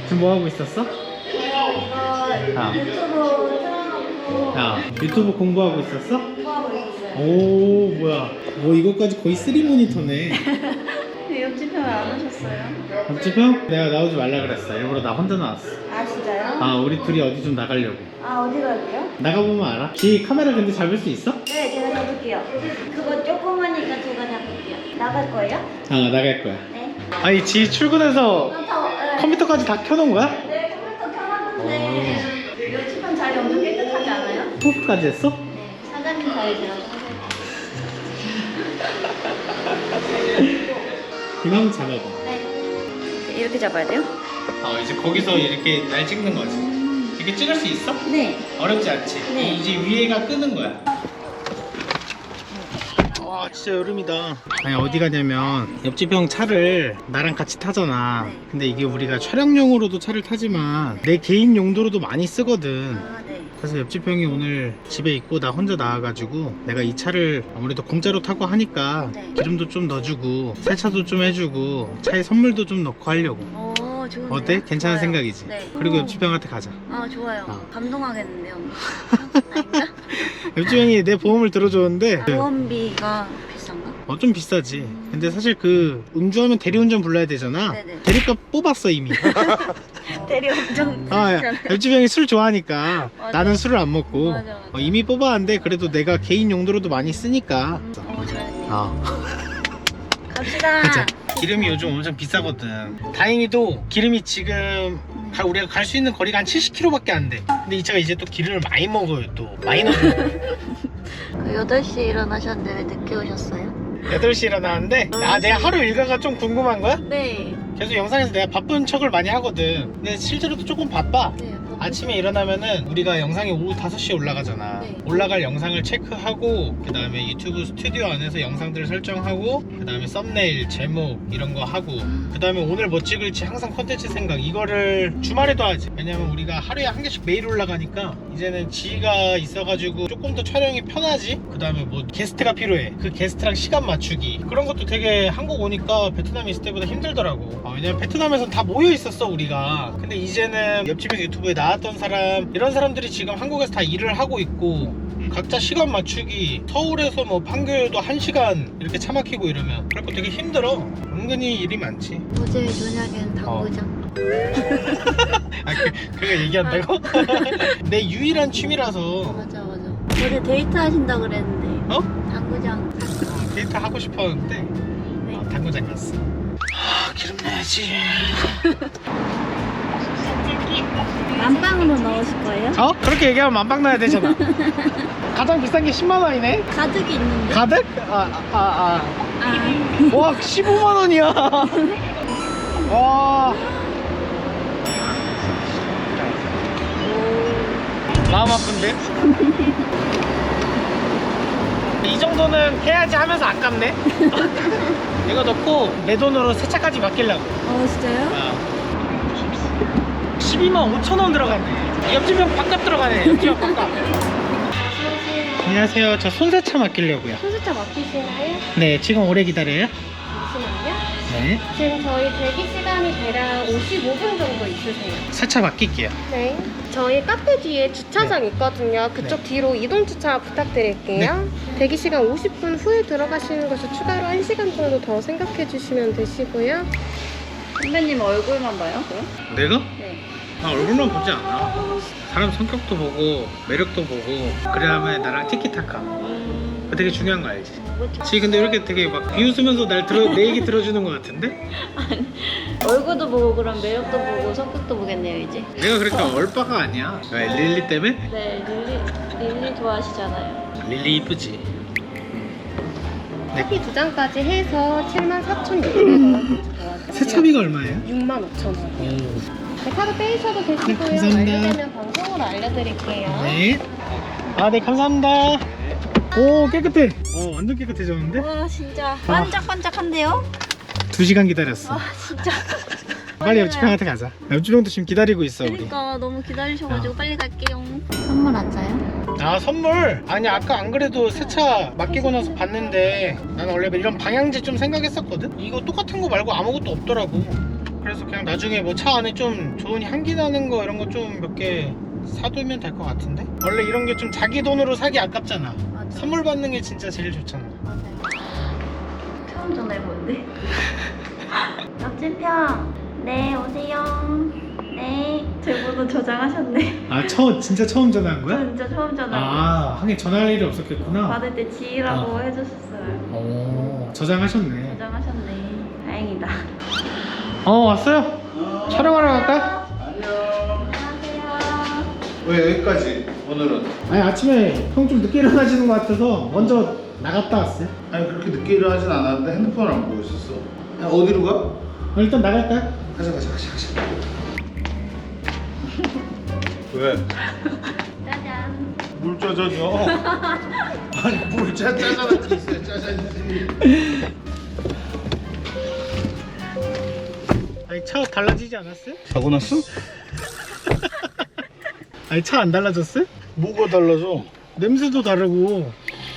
지금 뭐 하고 있었어? 아. 유튜브 틀어놓고 야, 유튜브 공부하고 있었어? 공부하고 있었어요. 오, 뭐야. 뭐 이것까지 거의 3모니터네. 옆집 형 왜 안 오셨어요? 옆집 형? 내가 나오지 말라 그랬어. 일부러 나 혼자 나왔어. 아 진짜요? 아, 우리 둘이 어디 좀 나가려고. 아 어디 갈게요? 나가보면 알아? 지 카메라 근데 잡을 수 있어? 네 제가 잡을게요. 그거 조그마니까 제가 잡을게요. 나갈 거예요? 아, 나갈 거야. 네. 아니, 지 출근해서 네. 컴퓨터까지 다 켜놓은 거야? 네 컴퓨터 켜놨는데 옆집 형 자리 엄청 깨끗하지 않아요? 포크까지 했어? 네 사장님 자리 제가 청소해요. 이거 한번 잡아봐. 네. 이렇게 잡아야 돼요? 이제 거기서 이렇게 날 찍는 거지. 이렇게 찍을 수 있어? 네. 어렵지 않지? 네. 이제 위에가 끄는 거야. 와, 진짜 여름이다. 아니, 어디 가냐면 옆집 형 차를 나랑 같이 타잖아. 네. 근데 이게 우리가 촬영용으로도 차를 타지만 내 개인 용도로도 많이 쓰거든. 아 네. 그래서 옆집 형이 오늘 집에 있고 나 혼자 나와가지고 내가 이 차를 아무래도 공짜로 타고 하니까 네. 기름도 좀 넣어주고 세차도 좀 해주고 차에 선물도 좀 넣고 하려고. 좋은데요? 어때? 괜찮은 좋아요. 생각이지? 네. 그리고 옆집 형한테 가자. 아 좋아요. 어. 감동하겠는데요. 아닌가? 옆집 형이 내 보험을 들어줬는데 보험비가 비싼가? 좀 비싸지. 근데 사실 그 음주하면 대리운전 불러야 되잖아. 네네. 대리값 뽑았어 이미. 대리 엄청 아, 옆집 형이 술 좋아하니까 맞아. 나는 술을 안 먹고 맞아, 맞아. 이미 뽑았는데 그래도 내가 개인 용도로도 많이 쓰니까. 잘했네요. 갑시다. 가자. 기름이 요즘 엄청 비싸거든. 다행히도 기름이 지금 우리가 갈 수 있는 거리가 한 70km밖에 안 돼. 근데 이 차가 이제 또 기름을 많이 먹어요. 또 많이 넣어요. 그 8시에 일어나셨는데 왜 늦게 오셨어요? 8시에 일어나는데 내가 하루 일과가 좀 궁금한 거야? 네. 계속 영상에서 내가 바쁜 척을 많이 하거든. 근데 실제로도 조금 바빠. 네. 아침에 일어나면은 우리가 영상이 오후 5시에 올라가잖아. 네. 올라갈 영상을 체크하고 그 다음에 유튜브 스튜디오 안에서 영상들을 설정하고 그 다음에 썸네일, 제목 이런 거 하고 그 다음에 오늘 뭐 찍을지 항상 컨텐츠 생각 이거를 주말에도 하지. 왜냐면 우리가 하루에 한 개씩 매일 올라가니까 이제는 지가 있어가지고 조금 더 촬영이 편하지. 그 다음에 뭐 게스트가 필요해. 그 게스트랑 시간 맞추기 그런 것도 되게 한국 오니까 베트남에 있을 때보다 힘들더라고. 왜냐면 베트남에선 다 모여 있었어 우리가. 근데 이제는 옆집에 유튜브에 나왔던 사람 이런 사람들이 지금 한국에서 다 일을 하고 있고 각자 시간 맞추기 서울에서 뭐 판교에도 1시간 이렇게 차 막히고 이러면 그래서 되게 힘들어. 은근히 일이 많지. 어제 저녁엔 당구장. 그거 얘기한다고? 내 유일한 취미라서. 맞아. 어제 데이트 하신다 그랬는데. 어? 당구장. 데이트 하고 싶었는데 네. 당구장 갔어. 기름 내야지. 만빵으로 넣으실 거예요? 그렇게 얘기하면 만빵 넣어야 되잖아. 가장 비싼 게 10만원이네? 가득이 있는데. 가득? 와 15만원이야. 와 마음 아픈데? 이 정도는 해야지 하면서 아깝네. 이거 넣고 내 돈으로 세차까지 맡기려고. 진짜요? 12만 5천원 들어갔네. 옆집 형 밥값 들어가네. 옆집 형 밥값. 안녕하세요. 저 손세차 맡기려고요. 손수차 맡기시나요? 네, 지금 오래 기다려요? 잠시만요. 네. 지금 저희 대기 시간이 대략 55분 정도 있으세요. 세차 맡길게요. 네. 저희 카페 뒤에 주차장 있거든요. 그쪽 뒤로 이동 주차 부탁드릴게요. 대기 시간 50분 후에 들어가시는 것을 추가로 1시간 정도 더 생각해 주시면 되시고요. 선배님 얼굴만 봐요? 그럼? 내가? 네. 나 얼굴만 보지 않아. 사람 성격도 보고 매력도 보고 그래야만 나랑 티키타카. 그거 되게 중요한 거 알지? 지 근데 이렇게 되게 막 비웃으면서 내 얘기 들어주는 거 같은데? 얼굴도 보고 그럼 매력도 보고 성격도 보겠네요 이제. 내가 그렇게 얼빠가 아니야. 왜 릴리 때문에? 네 릴리 좋아하시잖아요. 릴리 이쁘지. 커피 2잔까지 해서 74,600원. 세차비가 얼마예요? 65,000원. 오. 네, 카드 빼셔도 되시고요. 감사합니다. 완료되면 방송으로 알려드릴게요. 네. 네 감사합니다. 오 깨끗해. 완전 깨끗해졌는데? 와 진짜 반짝반짝한데요? 2시간 기다렸어. 진짜. 빨리 옆집 형한테 가자. 옆집 형도 지금 기다리고 있어 우리. 그러니까 너무 기다리셔가지고 빨리 갈게요. 선물 안 사요? 선물? 아니 아까 안 그래도 세차 맡기고 나서 봤는데 나는 원래 이런 방향제 좀 생각했었거든? 이거 똑같은 거 말고 아무것도 없더라고. 그래서 그냥 나중에 뭐 차 안에 좀 좋은 향기 나는 거 이런 거 좀 몇 개 사두면 될 것 같은데? 원래 이런 게 좀 자기 돈으로 사기 아깝잖아. 맞아. 선물 받는 게 진짜 제일 좋잖아. 맞아요. 처음 전화해보는데. 옆집형. 네, 오세요. 네. 제 번호 저장하셨네. 아 진짜 처음 전화한 저 진짜 처음 전화. 아 하긴 전화할 일이 없었겠구나. 받을 때 지희라고 해주셨어요. 오 저장하셨네. 저장하셨네. 다행이다. 왔어요? 촬영하러 갈까? 안녕하세요. 왜 여기까지 오늘은? 아니 아침에 형 좀 늦게 일어나시는 것 같아서 먼저 나갔다 왔어요. 아니 그렇게 늦게 일어나진 않았는데 핸드폰을 안 보고 있었어. 야, 어디로 가? 일단 나갈까요? 가자. 왜? 짜잔. 물 짜잔이요? 아니 물 짜잔한테 있어요 짜잔이지. 아니 차 달라지지 않았어요? 사고 났어? 아니 차 안 달라졌어요? 뭐가 달라져? 냄새도 다르고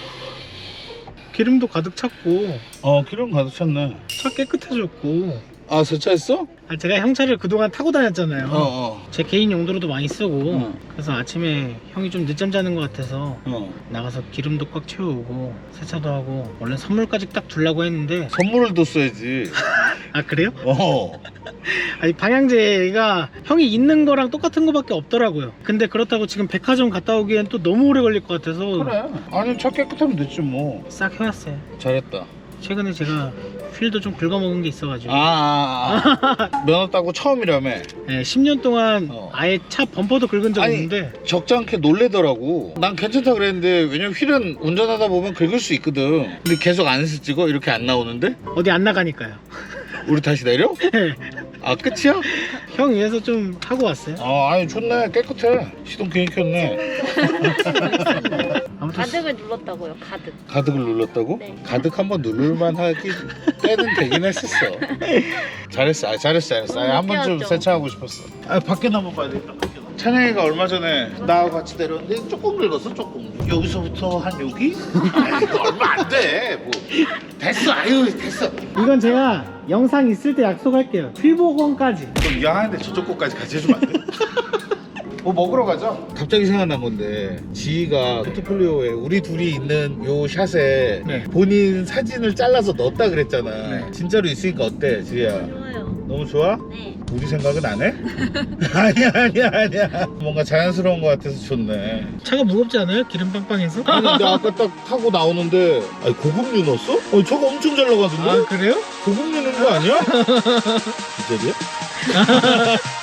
기름도 가득 찼고 기름 가득 찼네. 차 깨끗해졌고. 아 세차했어? 제가 형 차를 그동안 타고 다녔잖아요. 어. 제 개인 용도로도 많이 쓰고 응. 그래서 아침에 형이 좀 늦잠 자는 것 같아서 어. 나가서 기름도 꽉 채우고 세차도 하고 원래 선물까지 딱 주려고 했는데 선물을 뒀어야지. 아 그래요? 어. 아니 방향제가 형이 있는 거랑 똑같은 거밖에 없더라고요. 근데 그렇다고 지금 백화점 갔다 오기엔 또 너무 오래 걸릴 것 같아서 그래. 아니 차 깨끗하면 됐지 뭐. 싹 해왔어요. 잘했다. 최근에 제가 휠도 좀 긁어먹은 게 있어가지고 면허 따고 처음이라며. 네, 10년 동안 아예 차 범퍼도 긁은 적 아니, 없는데 적지 않게 놀래더라고. 난 괜찮다 그랬는데 왜냐면 휠은 운전하다 보면 긁을 수 있거든. 근데 계속 안에서 찍어? 이렇게 안 나오는데? 어디 안 나가니까요. 우리 다시 내려? 아 끝이야? 형 위해서 좀 하고 왔어요. 아니 좋네. 깨끗해. 시동 괜히 켰네. 아무튼 가득을 눌렀다고요, 가득. 가득을 눌렀다고? 네. 가득 한번 누를만 하기 때는 되긴 했었어. 잘했어. 잘했어. 한번 좀 웃겨왔죠. 세차하고 싶었어. 밖에 한번 봐야 되겠다. 찬영이가 얼마 전에 나하고 같이 내렸는데 조금 긁었어. 조금. 여기서부터 한 여기? 아이, 이거 얼마 안 돼. 뭐 됐어. 아유 됐어. 이건 제가 영상 있을 때 약속할게요. 휠복원까지. 좀 미안한데 저쪽 거까지 같이 해주면 안 돼? 뭐 먹으러 가자. 갑자기 생각난 건데 지희가 포트폴리오에 우리 둘이 있는 요 샷에 네. 본인 사진을 잘라서 넣었다 그랬잖아. 네. 진짜로 있으니까 어때 지희야? 좋아요. 너무 좋아? 네. 우리 생각은 안 해? 아니야. 뭔가 자연스러운 것 같아서 좋네. 차가 무겁지 않아요? 기름 빵빵해서? 아니 근데 아까 딱 타고 나오는데 아니 고급류 넣었어? 저거 엄청 잘 나가던데? 아 그래요? 고급류 넣은 거 아니야? 진짜로요?